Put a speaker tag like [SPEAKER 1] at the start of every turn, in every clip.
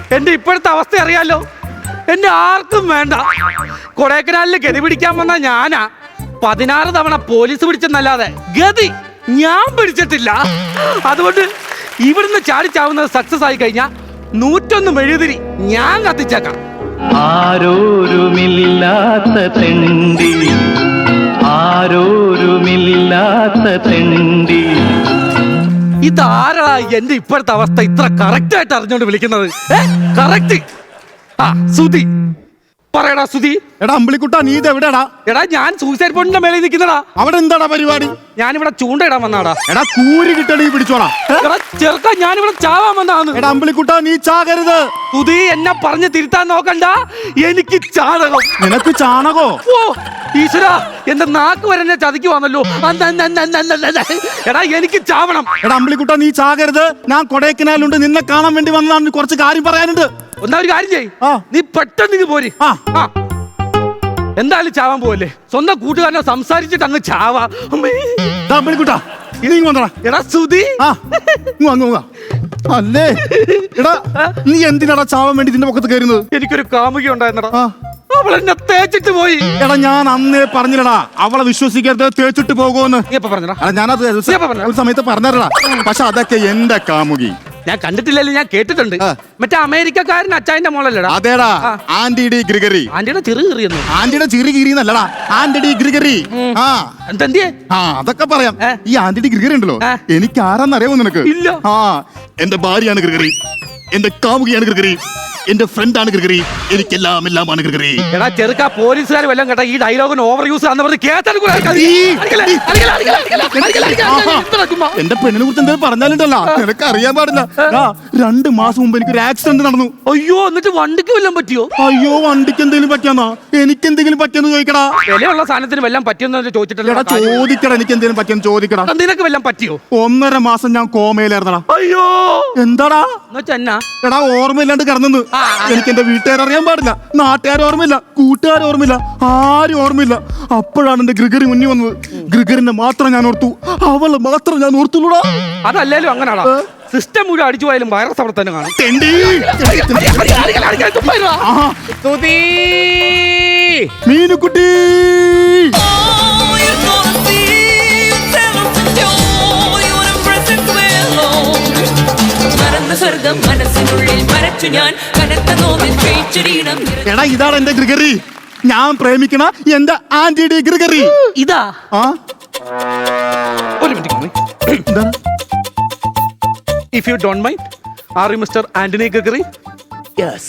[SPEAKER 1] എന്റെ ഇപ്പോഴത്തെ അവസ്ഥ അറിയാലോ. എന്നെ ആർക്കും വേണ്ട. കൊടൈക്കനാലിൽ ഗതി പിടിക്കാൻ വന്ന ഞാനാ 16 തവണ പോലീസ് പിടിച്ചെന്നല്ലാതെ ഗതി ഞാൻ പിടിച്ചിട്ടില്ല. അതുകൊണ്ട് ഇവിടുന്ന് ചാടിച്ചാവുന്നത് സക്സസ് ആയി കഴിഞ്ഞാൽ 101 മെഴുകുതിരി ഞാൻ കത്തിച്ചേക്കാം.
[SPEAKER 2] ആരോരുമില്ലാത്ത തെണ്ടി, ആരോരുമില്ലാത്ത തെണ്ടി.
[SPEAKER 1] ഇതാരാ എന്റെ ഇപ്പോഴത്തെ അവസ്ഥ ഇത്ര കറക്റ്റ് ആയിട്ട് അറിഞ്ഞോണ്ട് വിളിക്കുന്നത്? കറക്റ്റ്. ആ സുധി പറയടാ സുധി.
[SPEAKER 3] എടാ അമ്പിളിക്കുട്ടാ, നീ ഇത് എവിടെടാ?
[SPEAKER 1] എടാ ഞാൻ സൂസൈഡ് പോയിന്റിന്റെ മേലെ നിൽക്കുന്നടാ.
[SPEAKER 3] അവിടെ എന്താടാ പരിപാടി?
[SPEAKER 1] ഞാനിവിടെ ചൂണ്ടയിടാൻ വന്നാടാ.
[SPEAKER 3] എടാ കൂരി കിട്ടണി പിടിച്ചോടാ.
[SPEAKER 1] എടാ ചെറുക്ക, ഞാനിവിടെ ചാവാൻ വന്നാന്ന്.
[SPEAKER 3] എടാ അമ്പിളിക്കുട്ടാ, നീ ചാകരുത്.
[SPEAKER 1] സുധി എന്നെ പറഞ്ഞ് തിരുത്താൻ നോക്കണ്ട. എനിക്ക് ചാണകം.
[SPEAKER 3] നിനക്ക് ചാണകോ?
[SPEAKER 1] ഓ ഈശ്വരാ, എന്റെ നാക്ക് വരെ എന്നെ ചതിക്കുവാന്നല്ലോ. എടാ എനിക്ക് ചാവണം.
[SPEAKER 3] എടാ അമ്പിളിക്കുട്ടാ, നീ ചാകരുത്. ഞാൻ കൊടൈക്കനാലുണ്ട്, നിന്നെ കാണാൻ വേണ്ടി വന്നതാണ്. കുറച്ച് കാര്യം പറയാനുണ്ട്.
[SPEAKER 1] ഒന്നാ ഒരു കാര്യം ചെയ്യ്,
[SPEAKER 3] ആ.
[SPEAKER 1] നീ പെട്ടെന്ന് പോര്. എന്തായാലും ചാവാൻ പോവല്ലേ? സ്വന്തം കൂട്ടുകാരനെ സംസാരിച്ചിട്ട് അങ്ങ് ചാവാ.
[SPEAKER 3] അമ്പിളിക്കുട്ടാ, ഇനി വന്നടാ.
[SPEAKER 1] എടാ സുധി,
[SPEAKER 3] അല്ലേ എടാ, നീ എന്തിനാടാ ചാവാൻ വേണ്ടി ഇതിന്റെ പൊക്കത്ത് കയറുന്നത്?
[SPEAKER 1] എനിക്കൊരു കാമുകി ഉണ്ടായിരുന്നടാ. അവളെന്നെ തേച്ചിട്ട് പോയി.
[SPEAKER 3] എടാ ഞാൻ അന്നേ പറഞ്ഞില്ലടാ അവളെ വിശ്വസിക്കരുത്, തേച്ചിട്ട് പോകുമെന്ന്.
[SPEAKER 1] നീ എപ്പ പറഞ്ഞടാ?
[SPEAKER 3] ഞാനത് ഒരു സമയത്ത് പറഞ്ഞില്ലടാ. പക്ഷെ അതൊക്കെ എന്റെ കാമുകി.
[SPEAKER 1] ഞാൻ കണ്ടിട്ടില്ലല്ലോ, ഞാൻ കേട്ടിട്ടുണ്ട്. മറ്റേ അമേരിക്കക്കാരൻ അച്ചായന്റെ മോളല്ലടാ?
[SPEAKER 3] അതേടാ, ആന്റി ഡി ഗ്രിഗറി.
[SPEAKER 1] ആന്റിയുടെ ചെറു കീറിയെന്ന്.
[SPEAKER 3] ആന്റിയുടെ ചെറു കീറിന്നല്ലടാ, ആന്റി ഡി ഗ്രിഗറി.
[SPEAKER 1] എന്തിയെ?
[SPEAKER 3] അതൊക്കെ പറയാം. ഈ ആന്റി ഡി ഗ്രിഗറി ഉണ്ടല്ലോ, എനിക്ക് ആരാന്നറിയാമോ നിനക്ക്?
[SPEAKER 1] ഇല്ല.
[SPEAKER 3] എന്റെ ഭാര്യയാണ് ഗ്രിഗറി, എന്റെ കാമുകിയാണ് ഗ്രിഗറി, എന്റെ ഫ്രണ്ടാണ് ഗ്രിഗറി, എനിക്കെല്ലാം എല്ലാമാണ് ഗ്രിഗറി.
[SPEAKER 1] എടാ ചെറുക്ക, പോലീസുകാർ വല്ലതും കേട്ടാ ഈ ഡയലോഗിന് ഓവർ യൂസ് ആണെന്ന് പറഞ്ഞ്
[SPEAKER 3] എന്റെ പെണ്ണിനെ കുറിച്ച് എന്തെങ്കിലും പറഞ്ഞാലുണ്ടല്ലോ നിനക്ക് അറിയാൻ പാടില്ല. 2 മാസം മുമ്പ് എനിക്കൊരു ആക്സിഡന്റ് നടന്നു.
[SPEAKER 1] അയ്യോ, എന്നിട്ട് വണ്ടിക്ക് വല്ലതും പറ്റിയോ?
[SPEAKER 3] അയ്യോ, വണ്ടിക്ക് എന്തെങ്കിലും പറ്റിയാന്നാ? എനിക്ക് എന്തെങ്കിലും പറ്റിയെന്ന് ചോദിക്കടാ.
[SPEAKER 1] വിലയുള്ള സാധനത്തിന് വല്ലതും പറ്റിയെന്ന് ചോദിച്ചിട്ടില്ല.
[SPEAKER 3] ചോദിക്കടാ, എനിക്ക് എന്തെങ്കിലും പറ്റിയെന്ന് ചോദിക്കടാ.
[SPEAKER 1] നിനക്ക് വല്ലതും പറ്റിയോ?
[SPEAKER 3] 1.5 മാസം ഞാൻ കോമയിലായിരുന്നടാ.
[SPEAKER 1] അയ്യോ,
[SPEAKER 3] എന്താടാ?
[SPEAKER 1] എടാ
[SPEAKER 3] ഓർമ്മയില്ലാണ്ട് കിടന്നു. എനിക്ക് എന്റെ വീട്ടുകാർ അറിയാൻ പാടില്ല, നാട്ടുകാർ ഓർമ്മയില്ല, കൂട്ടുകാർ ഓർമ്മയില്ല, ആരും ഓർമ്മയില്ല. അപ്പോഴാണ് എന്റെ ഗ്രിഗറി മുന്നിൽ വന്നത്. ഗ്രിഗറിനെ മാത്രം ഞാൻ ഓർത്തു, അവളെ മാത്രം ഞാൻ ഓർത്തുള്ളൂടാ.
[SPEAKER 1] അതല്ലേലും അങ്ങനാടാ. സിസ്റ്റം മുഴുവൻ അടിച്ചു പോയാലും വൈറസ് അവിടെ തന്നെ കാണും.
[SPEAKER 3] മീനുക്കുട്ടി, എടാ ഇതാണ് എന്റെ ഗ്രിഗറി, ഞാൻ പ്രേമിക്കണ എന്റെ ആന്റി ഡി ഗ്രിഗറി.
[SPEAKER 1] ഇതാ ഒരു minute. If you don't mind, are you mister Antony Gregory? Yes.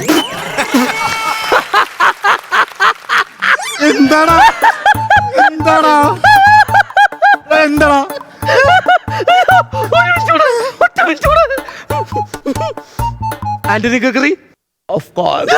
[SPEAKER 3] എന്താടാ എന്താടാ എന്താടാ?
[SPEAKER 1] Antony Gregory, of course.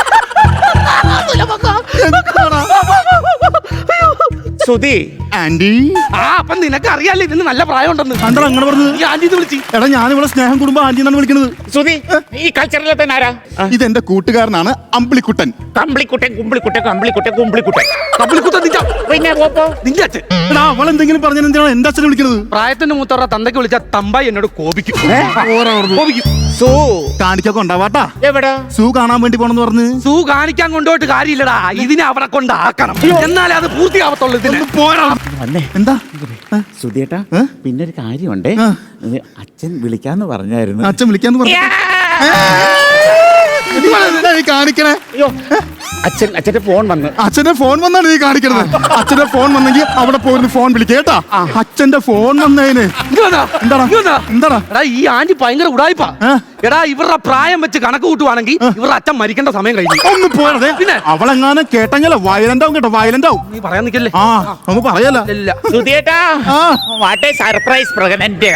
[SPEAKER 4] Sudhi,
[SPEAKER 3] aunty.
[SPEAKER 1] അപ്പൊ നിനക്ക് അറിയാലോ ഇതിന് നല്ല പ്രായം ഉണ്ടെന്ന്.
[SPEAKER 3] എന്താ അങ്ങനെ പറഞ്ഞത്?
[SPEAKER 1] ഈ ആന്റി വിളിച്ചു.
[SPEAKER 3] എടാ ഞാൻ ഇവിടെ സ്നേഹം കുടുംബം ആന്റി എന്നാണ് വിളിക്കുന്നത്.
[SPEAKER 4] സുധി, ഈ കൾച്ചറിലെ തന്നെ ആരാ?
[SPEAKER 3] ഇതെന്റെ കൂട്ടുകാരനാണ് അമ്പിളിക്കുട്ടൻ.
[SPEAKER 4] കമ്പിളിക്കുട്ടൻ, കുമ്പിളിക്കുട്ടൻ, കമ്പിളിക്കുട്ടൻ, കുമ്പിളിക്കുട്ടൻ.
[SPEAKER 1] കമ്പിളിക്കുട്ടൻ
[SPEAKER 4] പിന്നെ
[SPEAKER 1] നിന്റെ അച്ഛൻ.
[SPEAKER 3] എടാ അവൾ എന്തെങ്കിലും പറഞ്ഞാൽ എന്തിനാണ് എന്റെ അച്ഛനെ വിളിക്കുന്നത്?
[SPEAKER 1] പ്രായത്തിന്റെ മൂത്തവരുടെ തന്തയ്ക്ക് വിളിച്ച തമ്പായി എന്നോട് കോപിക്കും.
[SPEAKER 4] സൂ
[SPEAKER 3] കാണിക്കൊക്കെ ഉണ്ടാവാട്ടാ.
[SPEAKER 4] എവിടാ?
[SPEAKER 3] സൂ കാണാൻ വേണ്ടി പോണെന്ന് പറഞ്ഞ്.
[SPEAKER 1] സൂ കാണിക്കാൻ കൊണ്ടുപോയിട്ട് കാര്യമില്ലടാ, ഇതിനെ അവിടെ കൊണ്ടാക്കണം, എന്നാലേ അത് പൂർത്തിയാവത്തുള്ളൂ. ഇതിന് പോരാ.
[SPEAKER 3] എന്താ
[SPEAKER 4] സുധിയേട്ടാ, പിന്നെ ഒരു കാര്യമുണ്ടേ. അച്ഛൻ വിളിക്കാന്ന് പറഞ്ഞായിരുന്നു.
[SPEAKER 3] അച്ഛൻ വിളിക്കാന്ന് പറഞ്ഞു. കാണിക്കണേ.
[SPEAKER 4] അച്ഛന്റെ ഫോൺ വന്ന്.
[SPEAKER 3] അച്ഛന്റെ ഫോൺ വന്നാണ് നീ കാണിക്കണത്. അച്ഛന്റെ ഫോൺ വന്നെങ്കിൽ അവിടെ പോയിരുന്ന് ഫോൺ വിളിക്കേട്ടാ. അച്ഛന്റെ ഫോൺ വന്നതിന് എന്താടാ?
[SPEAKER 1] എടാ ഈ ആന്റി ഭയങ്കര ഉടായിപ്പാ. എടാ ഇവരുടെ പ്രായം വെച്ച് കണക്ക് കൂട്ടുവാണെങ്കിൽ ഇവരുടെ അച്ഛൻ മരിക്കേണ്ട സമയം കഴിഞ്ഞു.
[SPEAKER 3] ഒന്ന് പോയതേ. പിന്നെ അവളെങ്ങാനും കേട്ടെങ്കിലോ വയലന്റ് ആവും കേട്ടോ, വയലന്റ് ആവും.
[SPEAKER 1] നീ പറയാൻ നിക്കല്ലേ?
[SPEAKER 3] ഒന്ന് പറയല്ല.
[SPEAKER 4] Surprise pregnant.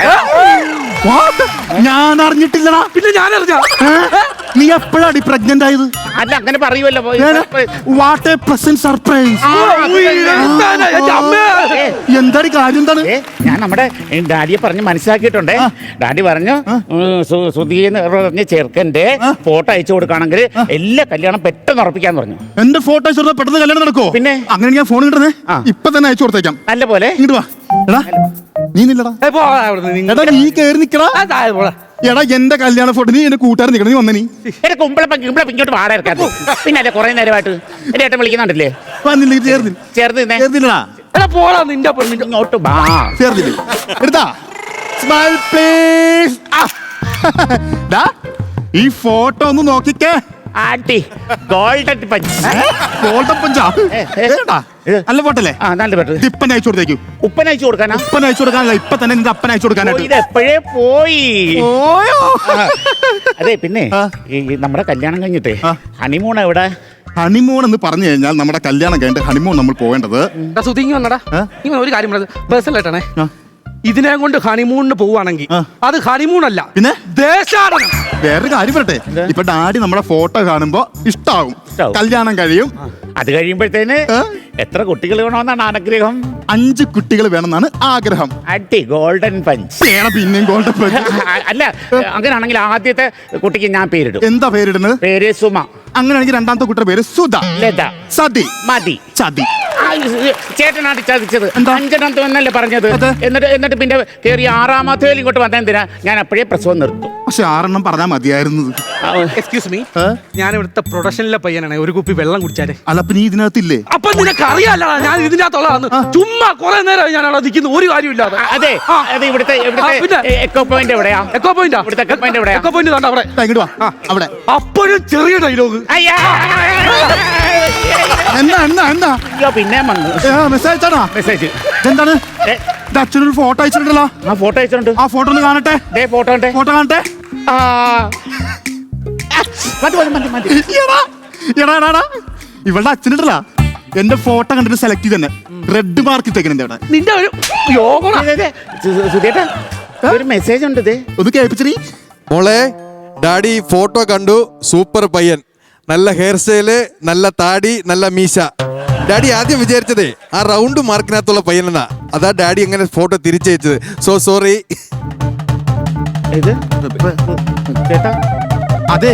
[SPEAKER 3] ഞാൻ അറിഞ്ഞിട്ടില്ലടാ.
[SPEAKER 1] പിന്നെ ഞാൻ അറിഞ്ഞ.
[SPEAKER 3] നീ എപ്പോഴാടി പ്രഗ്നന്റ് ആയത്?
[SPEAKER 4] അല്ല അങ്ങനെ പറയുമല്ലോ.
[SPEAKER 3] What a present surprise. എന്താടി കാര്യം? എന്താണ്?
[SPEAKER 4] ഞാൻ നമ്മുടെ ഡാഡിയെ പറഞ്ഞ് മനസ്സിലാക്കിയിട്ടുണ്ടേ. ഡാഡി പറഞ്ഞു സുധീന്ന് പറഞ്ഞ ചെറുക്കന്റെ ഫോട്ടോ അയച്ചു കൊടുക്കുകയാണെങ്കിൽ എല്ലാ കല്യാണം പെട്ടെന്ന് ഉറപ്പിക്കാന്ന് പറഞ്ഞു.
[SPEAKER 3] എന്റെ ഫോട്ടോ അയച്ചു കൊടുത്താൽ പെട്ടെന്ന് കല്യാണം നടക്കോ?
[SPEAKER 4] പിന്നെ
[SPEAKER 3] അങ്ങനെ ഞാൻ ഫോൺ കിട്ടുന്നേ ഇപ്പൊ തന്നെ അയച്ചു കൊടുത്തേക്കാം.
[SPEAKER 4] നല്ല പോലെ
[SPEAKER 3] ഇങ്ങോട്ട് വാ. എടാ നീ നില്ലടാ. നീ കേറി നിക്കടാ. എടാ എന്റെ കല്യാണ ഫോട്ടോ നീ എന്റെ കൂട്ടുകാരൻ നിൽക്കണം, നീ വന്ന നീ
[SPEAKER 4] എന്റെ കുമ്പളപ്പം ഇങ്ങോട്ട് വാട ഇറക്കാത്ത പിന്നെ അല്ലേ കുറെ നേരമായിട്ട് എന്റെ ഏട്ടൻ വിളിക്കുന്നുണ്ടല്ലേ
[SPEAKER 3] വന്നില്ല, ചേർന്നില്ല
[SPEAKER 4] ചേർത്ത് നിന്നേ
[SPEAKER 3] ചേർന്നില്ലടാ,
[SPEAKER 1] എടാ പോടാ നിന്റെ പെണ്ണിന്റെ
[SPEAKER 4] ഇങ്ങോട്ട് വാ
[SPEAKER 3] ചേർന്നില്ല. എടുത്താ സ്മൈൽ പ്ലീസ്. ഈ ഫോട്ടോ ഒന്ന് നോക്കിക്കേ.
[SPEAKER 4] ആട്ടി ഗോൾഡൻ പഞ്ച്
[SPEAKER 3] ഗോൾഡൻ പഞ്ചാ നല്ല ഫോട്ടല്ലേ?
[SPEAKER 4] ആ നല്ല പെട്ടു
[SPEAKER 3] ഇപ്പൻ അയച്ചു കൊടുത്തേക്കു.
[SPEAKER 4] ഉപ്പൻ അയച്ചു കൊടുക്കാനാ?
[SPEAKER 3] ഉപ്പൻ അയച്ചു കൊടുക്കാനല്ല, ഇപ്പൊ തന്നെ നിന്റെ അപ്പൻ അയച്ചു കൊടുക്കാനായിട്ട്.
[SPEAKER 4] ഇത് എപ്പോഴേ പോയി.
[SPEAKER 3] ഓയോ.
[SPEAKER 4] അതെ പിന്നെ ഈ നമ്മുടെ കല്യാണം കഴിഞ്ഞിട്ടേ ഹണിമൂൺ എവിടെ?
[SPEAKER 3] ഹണിമൂൺ എന്ന് പറഞ്ഞു കഴിഞ്ഞാൽ നമ്മുടെ കല്യാണം കഴിഞ്ഞിട്ട് ഹണിമൂൺ നമ്മൾ പോകേണ്ടത്.
[SPEAKER 1] സുതിങ്ങി വന്നടാ, ഇങ്ങനെ ഒരു കാര്യം പേഴ്സണലായിട്ടാണേ,
[SPEAKER 3] ആ.
[SPEAKER 1] ഇതിനെ കൊണ്ട് ഹണിമൂണിന് പോവാണെങ്കിൽ അത് ഹണിമൂൺ അല്ല,
[SPEAKER 3] പിന്നെ
[SPEAKER 1] ദേശാടനം.
[SPEAKER 3] വേറൊരു കാര്യം പറട്ടെ, ഇപ്പൊ ഡാഡി നമ്മുടെ ഫോട്ടോ കാണുമ്പോ ഇഷ്ടാവും, കല്യാണം കഴിയും.
[SPEAKER 4] അത് കഴിയുമ്പോഴത്തേന് എത്ര കുട്ടികൾ വേണമെന്നാണ് ആഗ്രഹം?
[SPEAKER 3] 5 കുട്ടികൾ വേണമെന്നാണ് ആഗ്രഹം.
[SPEAKER 4] അടി ഗോൾഡൻ പഞ്ച്.
[SPEAKER 3] പിന്നെയും ഗോൾഡൻ പഞ്ച്.
[SPEAKER 4] അല്ല അങ്ങനെയാണെങ്കിൽ ആദ്യത്തെ കുട്ടിക്ക് ഞാൻ പേരിടും.
[SPEAKER 3] എന്താ പേരിടുന്നത്?
[SPEAKER 4] പേര് സുമ.
[SPEAKER 3] അങ്ങനെയാണെങ്കിൽ രണ്ടാമത്തെ കുട്ടിയുടെ പേര് സുധ.
[SPEAKER 4] ലത.
[SPEAKER 3] സതി.
[SPEAKER 4] മതി.
[SPEAKER 3] ചതി.
[SPEAKER 4] ചേട്ടനാണ് ചതിച്ചത്.
[SPEAKER 3] എന്താ?
[SPEAKER 4] 5 എന്നല്ലേ പറഞ്ഞത്? എന്നിട്ട് പിന്നെ കയറി 6ാമത്തെ ഇങ്ങോട്ട് വന്നെന്തിനാ? ഞാൻ അപ്പോഴേ പ്രസവം നിർത്തും.
[SPEAKER 3] പക്ഷെ 6 പറയാൻ മതിയായിരുന്നത്.
[SPEAKER 1] എക്സ്ക്യൂസ് മീ, ഞാൻ ഇവിടുത്തെ പ്രൊഡക്ഷനിലെ പയ്യനാണ്. ഒരു കുപ്പി വെള്ളം കുടിച്ചാലേ.
[SPEAKER 3] അല്ല അപ്പൊ നീ ഇതിനകത്തില്ലേ?
[SPEAKER 1] അപ്പൊ നിനക്ക് അറിയാലോ ഞാൻ ഇതിന്റെ അകത്തുള്ളതാണ്. ചുമ്മാ കുറെ നേരം ഞാൻ അവിടെ നിൽക്കുന്നു, ഒരു കാര്യമില്ലാതെ.
[SPEAKER 4] അതെ അതെ. ഇവിടുത്തെ എക്കോ പോയിന്റ് എവിടെയാ?
[SPEAKER 1] Echo point.
[SPEAKER 4] ഇവിടുത്തെ എക്കോ പോയിന്റ് എവിടെയാ?
[SPEAKER 1] എക്കോ പോയിന്റ് കണ്ട അവിടെ.
[SPEAKER 3] ഇങ്ങോട്ട് വാ. അവിടെ
[SPEAKER 1] അപ്പോഴും ചെറിയ ഡയലോഗ്.
[SPEAKER 3] എന്നാ എന്നാ എന്നാ
[SPEAKER 4] പിന്നെ വന്നു
[SPEAKER 3] മെസ്സേജ് അയച്ചാടാ.
[SPEAKER 4] മെസ്സേജ്
[SPEAKER 3] എന്താണ്? അച്ഛനൊരു ഫോട്ടോ അയച്ചിട്ടുണ്ടല്ലോ.
[SPEAKER 4] ആ ഫോട്ടോ അയച്ചിട്ടുണ്ട്.
[SPEAKER 3] ആ ഫോട്ടോ ഒന്ന് കാണട്ടെ.
[SPEAKER 4] ഫോട്ടോ ഉണ്ട്.
[SPEAKER 3] ഫോട്ടോ കാണട്ടെ. ഇവളുടെ അച്ഛനുണ്ടല്ല, എന്റെ ഫോട്ടോ കണ്ടിട്ട് സെലക്ട് ചെയ്ത് തന്നെ റെഡ് മാർക്ക് ഇട്ടേക്കണേ അവിടെ.
[SPEAKER 1] നിന്റെ ഒരു യോഗം.
[SPEAKER 4] സുധേട്ടാ ഒരു മെസ്സേജ് ഉണ്ട്.
[SPEAKER 3] ഒന്ന് കേൾപ്പിച്ചി.
[SPEAKER 5] മോളെ, ഡാഡി ഫോട്ടോ കണ്ടു, സൂപ്പർ പയ്യൻ, നല്ല ഹെയർ സ്റ്റൈല്, നല്ല താടി, നല്ല മീശ. ഡാഡി ആദ്യം വിചാരിച്ചതേ ആ റൗണ്ട് മാർക്കിനകത്തുള്ള പയ്യനെന്നാ. അതാ ഡാഡി അങ്ങനെ ഫോട്ടോ തിരിച്ചയച്ചത്. So sorry.
[SPEAKER 4] ചേട്ടാ
[SPEAKER 3] അതെ,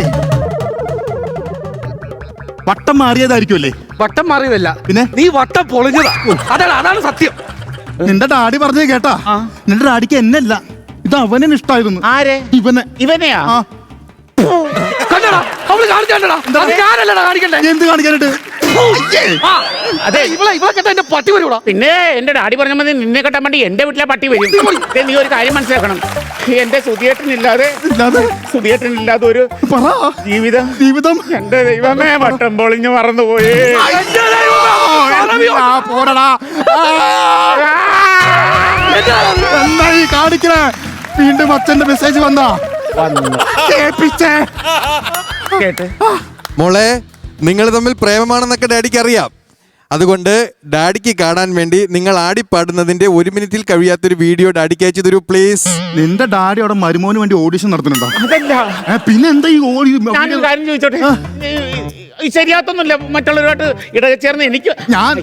[SPEAKER 3] വട്ടം മാറിയതായിരിക്കുമല്ലേ?
[SPEAKER 1] വട്ടം മാറിയതല്ല,
[SPEAKER 3] പിന്നെ
[SPEAKER 1] നീ വട്ടം പൊളിഞ്ഞതാ. അതാണ് സത്യം.
[SPEAKER 3] നിന്റെ ഡാഡി പറഞ്ഞത് കേട്ടാ? നിന്റെ ഡാഡിക്ക് എന്നല്ല, ഇത് അവനെ ഇഷ്ടായിരുന്നു.
[SPEAKER 4] ആരെ? ഇവനെയാ?
[SPEAKER 1] കണ്ടടാ, അവള് കാണിക്കണ്ടടാ. ഞാനല്ലടാ കാണിക്കണ്ടേ.
[SPEAKER 3] എന്ത് കാണിക്കാനായിട്ട്?
[SPEAKER 1] അതെ, ഇവളെ കേട്ട എന്റെ പട്ടി വരൂടാ.
[SPEAKER 4] പിന്നെ എന്റെ ഡാഡി പറഞ്ഞ മതി, നിന്നെ കെട്ടാൻ വേണ്ടി എന്റെ വീട്ടിലെ പട്ടി വരും. നീ ഒരു കാര്യം മനസ്സിലാക്കണം, എന്റെ സുധിയേട്ടനില്ലാതെ ഒരു ജീവിതം എന്റെ ദൈവമേ വട്ടം പൊളിഞ്ഞു മറന്നുപോയി.
[SPEAKER 3] പോടടാ. എന്തായി കാണിക്കണേ? വീണ്ടും അച്ഛന്റെ മെസ്സേജ് വന്നാ കേൾപ്പിച്ചേ.
[SPEAKER 4] കേട്ട്
[SPEAKER 5] മോളെ, നിങ്ങൾ തമ്മിൽ പ്രേമമാണെന്നൊക്കെ ഡാഡിക്ക് അറിയാം. അതുകൊണ്ട് ഡാഡിക്ക് കാണാൻ വേണ്ടി നിങ്ങൾ ആടിപ്പാടുന്നതിന്റെ 1 മിനിറ്റിൽ കഴിയാത്തൊരു വീഡിയോ ഡാഡിക്ക് അയച്ചു തരൂ പ്ലീസ്.
[SPEAKER 3] നിന്റെ ഡാഡി അവിടെ മരുമോന് വേണ്ടി ഓഡിഷൻ നടത്തുന്നുണ്ടോ?
[SPEAKER 4] അതല്ല,
[SPEAKER 3] പിന്നെ എന്താ ഈ
[SPEAKER 4] ഞാനൊരു കാര്യം ചോദിച്ചോട്ടെ? ശരിയാത്തൊന്നുമില്ല മറ്റുള്ളവരുമായിട്ട് ഇടചേർന്ന് എനിക്ക്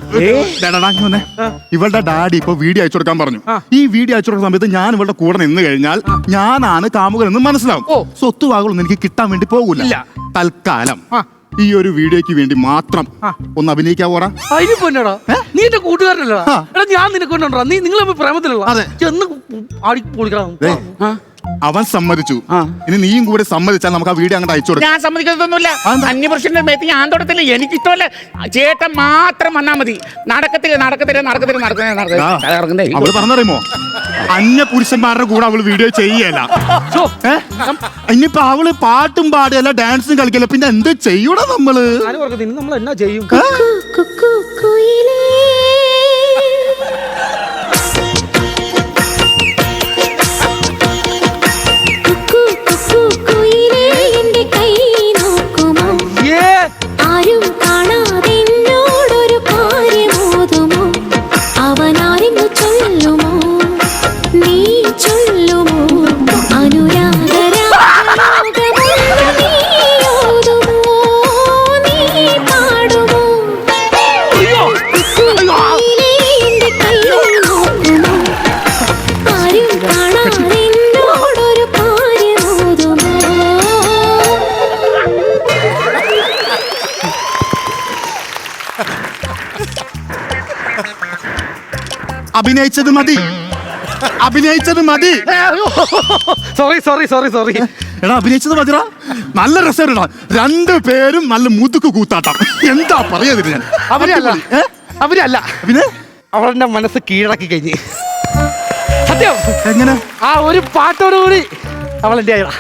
[SPEAKER 3] ഇവളുടെ ഡാഡി ഇപ്പൊ വീഡിയോ അയച്ചു കൊടുക്കാൻ പറഞ്ഞു. ഈ വീഡിയോ അയച്ചു കൊടുക്കുന്ന സമയത്ത് ഞാൻ ഇവളുടെ കൂടെ നിന്ന് കഴിഞ്ഞാൽ ഞാനാണ് കാമുകൻ എന്ന് മനസ്സിലാവും. സ്വത്തുവാകളൊന്നും എനിക്ക് കിട്ടാൻ വേണ്ടി പോകില്ല. തൽക്കാലം ഈ ഒരു വീഡിയോക്ക് വേണ്ടി മാത്രം ഒന്ന് അഭിനയിക്കാവോടാ?
[SPEAKER 1] അതിന് പൊന്നടാ, നീ എന്റെ കൂട്ടുകാരനല്ലടാ. എടാ ഞാൻ നിനക്ക് കൊണ്ടോടാ, നിങ്ങൾ പ്രേമത്തിലുള്ള ചെന്ന് ആടി പൊളിക്കണം.
[SPEAKER 3] അവൻ സമ്മതിച്ചു. ഇനി നീയും കൂടെ സമ്മതിച്ചാൽ നമുക്ക് ആ വീഡിയോ അങ്ങോട്ട് അയച്ചു കൊടുക്കാം.
[SPEAKER 4] ഞാൻ സമ്മതിക്കത്തൊന്നുമില്ല. അന്യപുരുഷന്റെ മേത്ത് ഞാൻ തൊടത്തില്ല. എനിക്കിഷ്ടമല്ല. ചേട്ടൻ മാത്രം വന്നാ മതി. നടക്കത്തില്ല.
[SPEAKER 3] അവള് പറഞ്ഞറിയുമോ, അന്യ പുരുഷന്മാരുടെ കൂടെ അവള് വീഡിയോ ചെയ്യല. ഇനിയിപ്പോ അവള് പാട്ടും പാടുകയല്ല, ഡാൻസും കളിക്കല്ല, പിന്നെ എന്ത് ചെയ്യൂടാ നമ്മള്?
[SPEAKER 1] നമ്മൾ എന്നാ ചെയ്യും?
[SPEAKER 3] അഭിനയിച്ചത് മതി. അഭിനയിച്ചത് മതി.
[SPEAKER 1] സോറി
[SPEAKER 3] എടാ അഭിനയിച്ചത് മതിടാ. നല്ല രസമാ. രണ്ടുപേരും നല്ല മുതുക്ക് കൂത്താട്ടം. എന്താ പറയാതില്ല ഞാൻ.
[SPEAKER 1] അവരല്ല
[SPEAKER 3] പിന്നെ
[SPEAKER 1] അവളെന്റെ മനസ്സ് കീഴടക്കി കഴിഞ്ഞ്. സത്യം.
[SPEAKER 3] എങ്ങനെ?
[SPEAKER 1] ആ ഒരു പാട്ടോടുകൂടി അവളെന്റെ ആയതാ.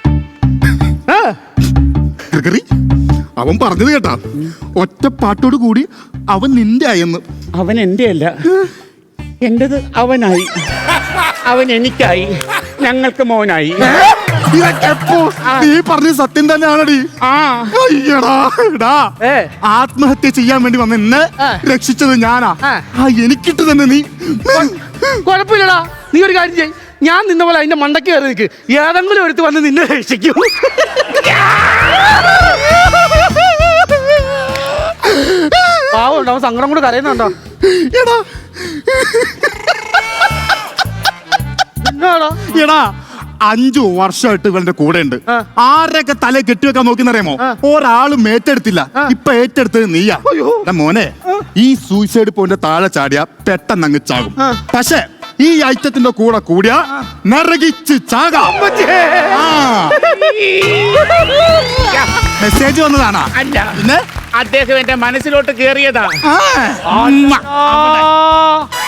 [SPEAKER 3] ഗ്രിഗറി, അവൻ പറഞ്ഞത് കേട്ടാ, ഒറ്റ പാട്ടോട് കൂടി അവൻ നിന്റെ ആയെന്ന്.
[SPEAKER 4] അവൻ എന്റെ അല്ല, എന്റേത് അവനായി, അവൻ എനിക്കായി, ഞങ്ങൾക്ക് മോനായി.
[SPEAKER 3] ഇതൊക്കെ എപ്പോ? നീ പറഞ്ഞ സത്യം തന്നെയാണടി.
[SPEAKER 4] ആ
[SPEAKER 3] അയ്യടാ, എടാ, ആത്മഹത്യ ചെയ്യാൻ വേണ്ടി വന്ന എന്നെ രക്ഷിച്ചത് ഞാനാ. എനിക്കിട്ട് തന്നെ നീ.
[SPEAKER 1] കുഴപ്പമില്ലടാ, നീ ഒരു കാര്യം ചെയ്യ്. ഞാൻ നിന്ന പോലെ അതിന്റെ മണ്ടയ്ക്ക് കയറി നിൽക്ക്. ഏതെങ്കിലും എടുത്ത് വന്ന് നിന്നെ രക്ഷിക്കും. പാവമുണ്ടോ, അവൻ സങ്കടം കൂടെ കരയുന്നുണ്ടോ?
[SPEAKER 3] എടാ എടാ 5 വർഷമായിട്ട് ഇവന്റെ കൂടെ ഉണ്ട്. ആരൊക്കെ തല കെട്ടിവെക്കാൻ നോക്കിന്നറിയാമോ? ഒരാളും ഏറ്റെടുത്തില്ല. ഇപ്പൊ ഏറ്റെടുത്തത് നീയാ. എടാ മോനെ, ഈ സൂയിസൈഡ് പോയിന്റ് താഴെ ചാടിയാ പെട്ടെന്ന് അങ്ങ് ചാകും. പക്ഷെ ഈ ഐറ്റത്തിന്റെ കൂടെ കൂടിയാ നരകിച്ച് ചാകാം. മെസ്സേജ് വന്നതാണോ?
[SPEAKER 4] അല്ല,
[SPEAKER 3] പിന്നെ
[SPEAKER 4] അദ്ദേഹം എന്റെ മനസ്സിലോട്ട് കേറിയതാ.
[SPEAKER 1] ആ